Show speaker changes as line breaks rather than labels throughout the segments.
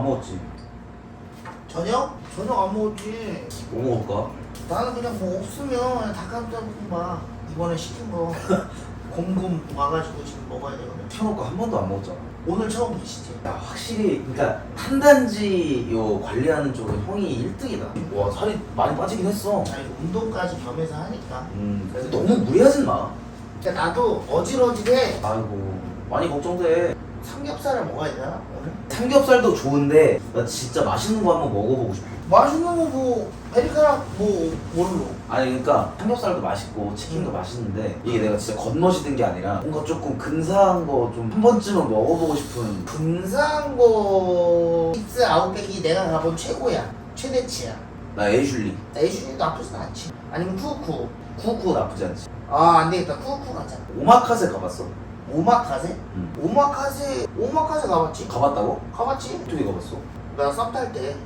먹었지.
저녁? 저녁 안 먹었지.
뭐 먹을까?
나는 그냥 뭐 없으면 그냥 닭가슴살볶음밥 이번에 시킨 거 곰곰 와가지고 지금 먹어야 되거든.
켜놓고 한 번도 안 먹었잖아.
오늘 처음 계시지?
야 확실히 그러니까 탄단지 요 관리하는 쪽은 형이 1등이다. 와 살이 많이 빠지긴 했어.
아니 운동까지 겸해서 하니까.
그래서 너무 무리하진 마.
그러니까 나도 어질어질해.
아이고 많이 걱정돼.
삼겹살을 먹어야 되나 오늘?
삼겹살도 좋은데 나 진짜 맛있는 거 한번 먹어보고 싶어.
맛있는 거 뭐 베리카락 뭐 뭘로?
아니 그러니까 삼겹살도 맛있고 치킨도 맛있는데 이게 내가 진짜 겉멋이 든 게 아니라 뭔가 조금 근사한 거 좀 한 번쯤은 먹어보고 싶은.
근사한 거 힙스 아웃백이 내가 가본 최고야. 최대치야.
나 에이슐리.
에이슈도 나쁘진 않지. 아니면 쿠쿠.
쿠쿠 나쁘지 않지.
아 안되겠다. 쿠쿠 가자.
오마카세 가봤어?
오마카세?
응.
오마카세 가봤지?
가봤다고?
가봤지?
어떻게 가봤어?
나 썸 탈 때.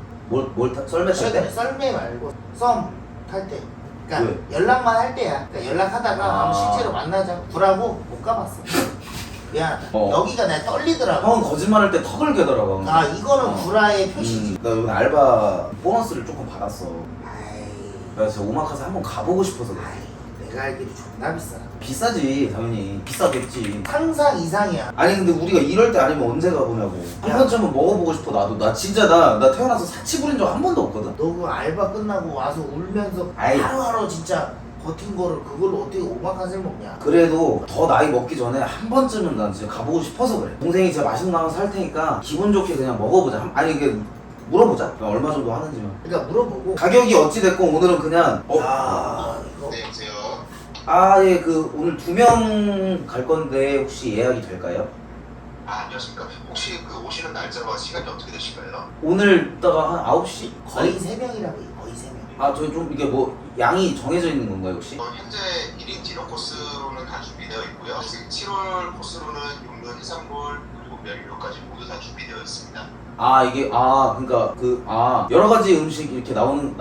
썰매 탈 때?
썰매 말고 썸 탈 때. 그러니까
왜?
연락만 할 때야. 그러니까 연락하다가
아.
한번 실제로 만나자. 불하고 못 가봤어. 미안하다.
어.
여기가 내가 떨리더라고.
형은 거짓말할 때 턱을 개더라고.
아 이거는 불화의 표시지.
나 이번에 알바 보너스를 조금 받았어.
아이,
그래서 오마카세 한번 가보고 싶어서 그래.
아이, 내가 알기로 존나 비싸.
비싸지 당연히. 비싸겠지.
상상 이상이야.
아니 근데 우리가 이럴 때 아니면 언제 가보냐고. 한
야.
번쯤은 먹어보고 싶어. 나도. 나 진짜 나 태어나서 사치 부린 적 한 번도 없거든.
너 그 알바 끝나고 와서 울면서
아이.
하루하루 진짜 버틴 거를 그걸로 어떻게 오마카세를 먹냐.
그래도 더 나이 먹기 전에 한 번쯤은 난 진짜 가보고 싶어서 그래. 동생이 진짜 맛있는 거 하나 살 테니까 기분 좋게 그냥 먹어보자. 아니 이게 물어보자. 얼마 정도 하는지만.
그러니까 물어보고.
가격이 어찌 됐건 오늘은 그냥
야 이거.
네, 여보세요.
아, 예, 그 오늘 2명 갈 건데 혹시 예약이 될까요?
아, 안녕하십니까. 혹시 그 오시는 날짜와 시간이 어떻게 되실까요?
오늘 이따가 한 9시?
거의 3명이라고 해. 거의 3명.
아, 저희 좀 이게 뭐 양이 정해져 있는 건가요, 혹시?
현재 1인 디너 코스로는 다 준비되어 있고요. 지금 7월 코스로는 육류, 해산물, 그리고 면류까지 모두 다 준비되어 있습니다.
아, 이게 그러니까 여러 가지 음식 이렇게 나오는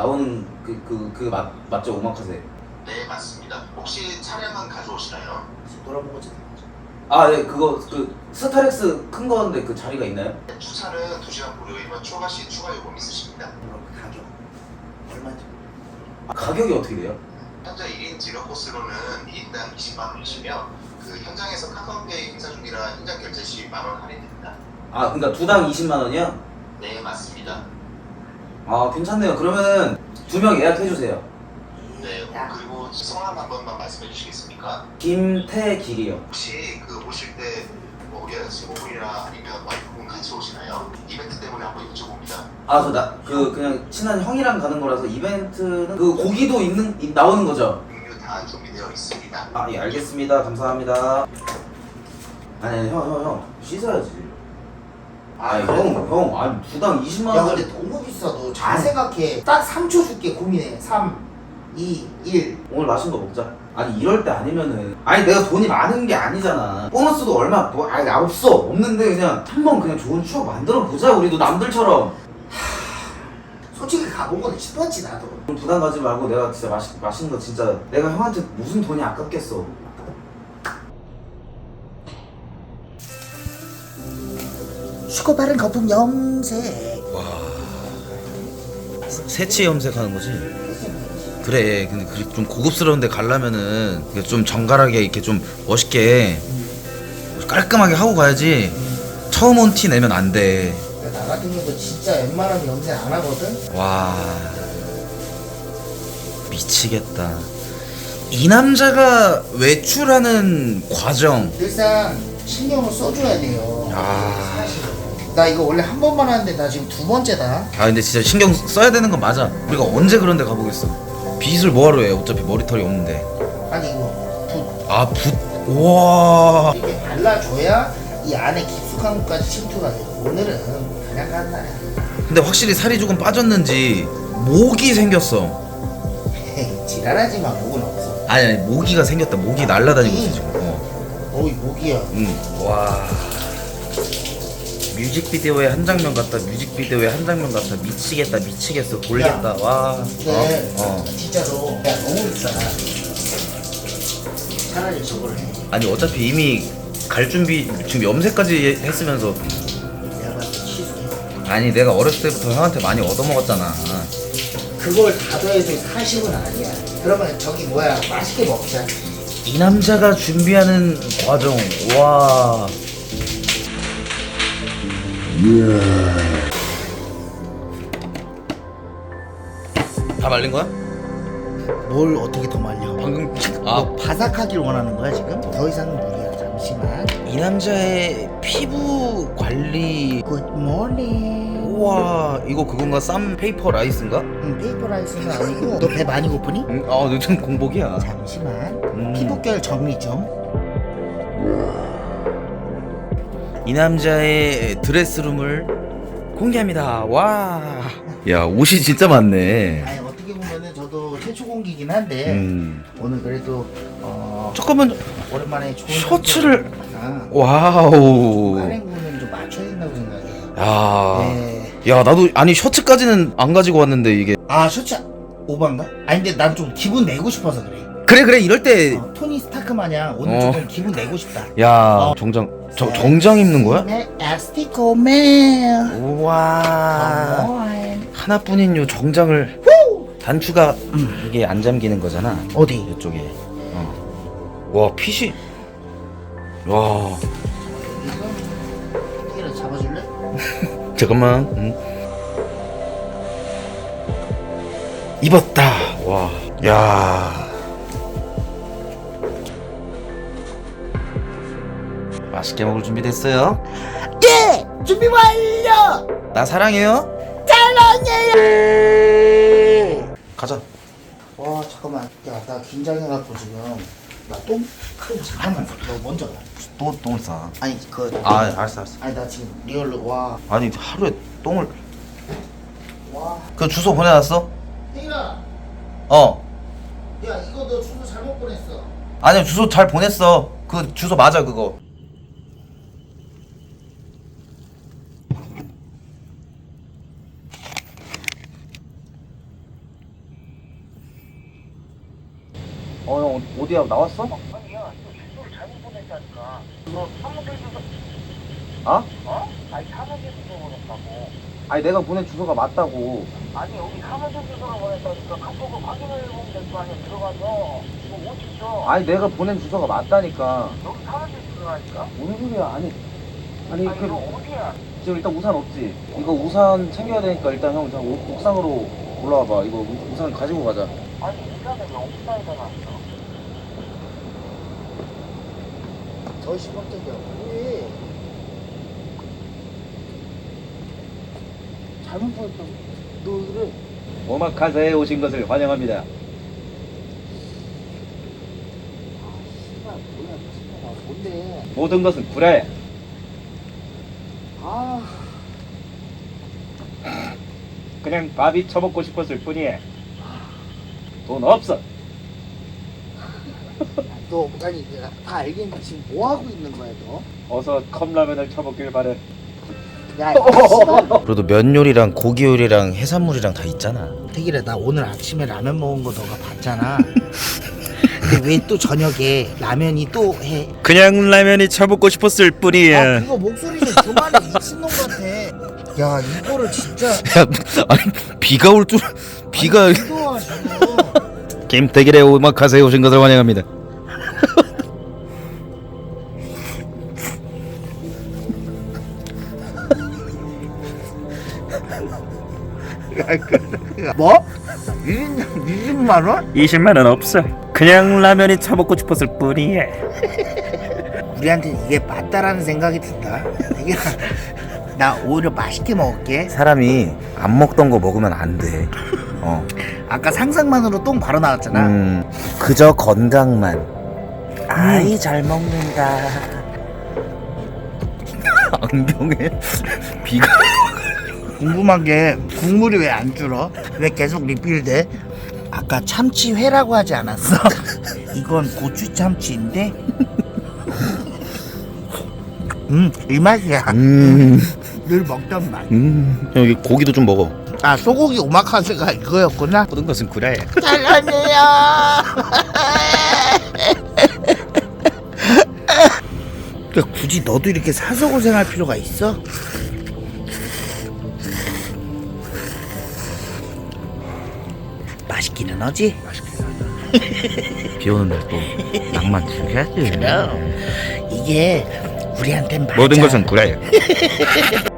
맞죠, 오마카세?
네, 맞습니다. 혹시 차량은 가져오시나요?
지금 돌아보고 지금.
아, 네, 스타렉스 큰 건데 그 자리가 있나요?
주차는 2시간 무료이면 추가 시 추가 요금 있으십니다.
그럼 가격 얼마인지.
아, 가격이 어떻게 돼요?
현재 1인 디너 코스로는 2인당 20만 원이시며 그 현장에서 카카오페이 행사 중이라 현장 결제 시 만 원 할인됩니다.
아, 그러니까 두당 20만 원이요?
네, 맞습니다.
아, 괜찮네요. 그러면은 2명 예약해주세요.
네, 그리고 성함 한 번만 말씀해 주시겠습니까?
김태길이요.
혹시 그 오실 때뭐 여자친구분이나 아니면 와이프분 같이 오시나요? 이벤트 때문에 한번 여쭤봅니다.
아, 그냥 친한 형이랑 가는 거라서 이벤트는 그 고기도 나오는 거죠?
음료 다 준비되어 있습니다.
아, 예, 알겠습니다. 감사합니다. 아니, 형. 씻어야지. 아니, 형, 두당 20만
야
원.
근데 너무 비싸. 너 잘 생각해. 딱 3초 줄게. 고민해. 3 2 1.
오늘 맛있는 거 먹자. 아니, 이럴 때 아니면은. 아니, 내가 돈이 많은 게 아니잖아. 보너스도 얼마, 아니, 없는데 그냥 한번 그냥 좋은 추억 만들어 보자. 우리도 남들처럼.
솔직히 가보고는 싶었지 나도.
부담 가지 말고 내가 진짜 맛있는 거 진짜 내가 형한테 무슨 돈이 아깝겠어.
쉽고 빠른 거품 염색.
새치 염색하는 거지? 그래. 근데 좀 고급스러운 데 가려면은 좀 정갈하게 이렇게 좀 멋있게 깔끔하게 하고 가야지. 처음 온 티 내면 안 돼.
나 같은 경우도 진짜 웬만하면 염색 안 하거든.
와, 미치겠다. 이 남자가 외출하는 과정.
일단 신경을 써줘야 돼요.
아.
사실은. 나 이거 원래 한 번만 하는데 나 지금 2번째다.
아 근데 진짜 신경 써야 되는 건 맞아. 우리가 언제 그런 데 가보겠어. 빗을 뭐하러 해. 어차피 머리털이 없는데.
아니 이거
아, 붓. 우와.
이렇게 발라줘야 이 안에 깊숙한 것까지 침투가 돼요. 오늘은 그냥 간 날이야.
근데 확실히 살이 조금 빠졌는지 모기 생겼어.
지랄하지 마. 목은 없어.
아니 모기가 생겼다. 모기 날라다니고 있어 지금.
어이 목이야.
와. 뮤직비디오의 한 장면 같다. 뮤직비디오의 한 장면 같다. 미치겠어. 돌겠다. 와.
근데
어.
진짜로 야 너무 비싸. 차라리 저걸 해.
아니 어차피 이미 갈 준비 지금 염색까지 했으면서
내가 봤을 때 취소해.
아니 내가 어렸을 때부터 형한테 많이 얻어먹었잖아.
그걸 다 더해도 40은 아니야. 그러면 저기 뭐야, 맛있게 먹자.
이 남자가 준비하는 과정, 와. 다 말린 거야?
뭘 어떻게 더 말려?
방금
너 바삭하길 원하는 거야 지금? 더 이상은 무리야. 잠시만.
이 남자의 피부 관리.
굿모닝.
우와, 이거 그건가? 쌈 페이퍼 라이스인가?
페이퍼 라이스는 아니고. 너 배 많이 고프니?
아, 요즘 공복이야.
잠시만. 피부결 정리 좀.
이 남자의 드레스룸을 공개합니다. 와. 야, 옷이 진짜 많네.
아니 어떻게 보면은 저도 최초 공기긴 한데 오늘 그래도
잠깐만,
오랜만에 좋은
셔츠를.
아,
와우.
할인구는 좀 맞춰야 된다고 생각해.
야.
네.
야, 나도 아니 셔츠까지는 안 가지고 왔는데 이게.
아 셔츠 오반가? 아니 근데 난 좀 기분 내고 싶어서 그래.
그래 이럴 때.
토니 스타크 마냥 오늘
어.
조금 기분 내고 싶다.
야, 정장 정장 입는 거야?
네, 에스티코맨.
우와. 하나뿐인 요 정장을 단추가 이게 안 잠기는 거잖아.
어디?
이쪽에. 와, 핏이. 와.
이거 잡아줄래?
잠깐만. 입었다. 와. 야. 맛있게 먹을 준비 됐어요?
예! 준비 완료!
나 사랑해요.
사랑해요!
가자.
와 잠깐만, 야 나 긴장해갖고 지금 나 똥? 잠깐만, 너 먼저 가.
똥을 싸.
아니
알았어.
아니 나 지금 리얼로 와.
아니 하루에 똥을.
와.
그 주소 보내놨어?
혜인아,
어.
야 이거 너 주소 잘못 보냈어.
아니 주소 잘 보냈어. 그 주소 맞아 그거. 형 어디야 나왔어?
아니 야, 너 주소를 잘못 보냈다니까. 너 사무실 주소.
아?
어? 아니 사무실 주소 보냈다고.
아니 내가 보낸 주소가 맞다고.
아니 여기 사무실 주소로 보냈다니까. 카톡을 확인해 보면 될 거 아니야. 들어가서 이거 어디죠?
아니 내가 보낸 주소가 맞다니까.
여기 사무실 주소라니까.
무슨 소리야? 아니
아니 이거 어디야?
지금 일단 우산 없지? 이거 우산 챙겨야 되니까 일단 형 저 옥상으로 올라와봐. 이거 우산 가지고 가자.
아니 인간은 왜 옥상에다 놨어?
더 시범적이야. 왜? 잘못 보냈다고. 너 그래?
오마카세에 오신 것을 환영합니다.
아 씨발 뭐야 진짜 뭔데?
모든 것은 구라야.
아.
그냥 밥이 처먹고 싶었을 뿐이야. 돈 없어.
너 아니 내가 다 알겠는데 지금 뭐 하고 있는 거야 너?
어서 컵라면을 쳐먹길 바래.
야 씨발.
그래도 면 요리랑 고기 요리랑 해산물이랑 다 있잖아.
태길아 나 오늘 아침에 라면 먹은 거 너가 봤잖아. 근데 왜 또 저녁에 라면이 또 해?
그냥 라면이 쳐먹고 싶었을
아
뿐이야.
그거 목소리 좀 그만해 미친놈 같아. 야 이거를 진짜
야, 아니 비가 올 줄. 비가.
기도와 지금.
김태길의 오마카세에 오신 것을 환영합니다.
뭐? 20만 원?
20만 원 없어. 그냥 라면이 쳐먹고 싶었을 뿐이야.
우리한테 이게 맞다라는 생각이 든다. 태길아 나 오히려 맛있게 먹을게.
사람이 안 먹던 거 먹으면 안 돼.
아까 상상만으로 똥 바로 나왔잖아.
그저 건강만. 아이 잘 먹는다. 안경에 비가.
궁금한 게 국물이 왜 안 줄어? 왜 계속 리필돼? 아까 참치회라고 하지 않았어? 이건 고추 참치인데? 이 맛이야. 늘 먹던 맛.
여기 고기도 좀 먹어.
아 소고기 오마카세가 이거였구나.
모든 것은 구라야.
잘라내요. 그러니까 굳이 너도 이렇게 사서 고생할 필요가 있어? 맛있기는 하지?
비 오는 날 또 낭만 즐겨야지.
그럼 이게 우리한텐 맞아.
모든 것은 그래.